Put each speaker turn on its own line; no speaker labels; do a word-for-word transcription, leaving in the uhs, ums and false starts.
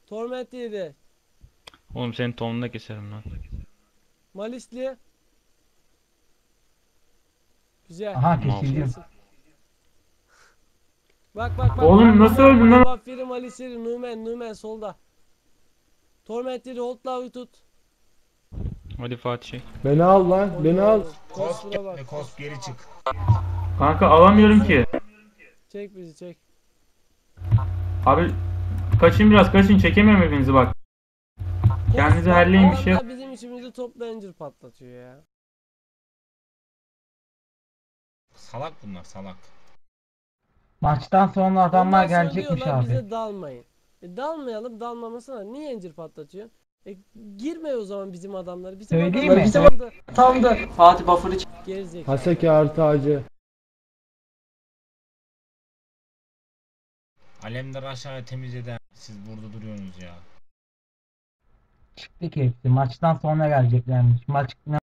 Torment yedi.
Oğlum senin tonunu da keserim lan.
Malisli. Güzel.
Aha
Mal.
kesildim.
Kesin. Bak bak bak.
Oğlum
Arka
nasıl
bak.
öldün lan?
Debuffiri, Malisiri, Numen, Numen solda. Torment yedi. Hold'la tut.
Hadi Fatih şey.
Beni al lan. Beni al.
Kosp
Kostura bak.
ve Kosp geri çık.
Kanka alamıyorum ki.
Çek bizi çek.
Abi kaçın biraz kaçın, çekemiyorum hepinizi bak. Kendinizi
Kos-
halleyin bir şey.
Adamlar bizim içimizi toplayıncır patlatıyor ya.
Salak bunlar salak.
Maçtan sonra adamlar
Ondan sonra
gelecekmiş
diyorlar
abi.
bize dalmayın. E dalmayalım, dalmamasına niye incir patlatıyor? E girme o zaman bizim adamları. Bizim
Söyleyeyim
adamlar
mi?
bizim anda
Tam da Fatih buffer'ı çek.
gerizekalı.
Haseki artı acı.
Alemdar aşağıya temizleden siz burada duruyorsunuz ya.
Çıktı ki hepsi. Maçtan sonra geleceklermiş. Maç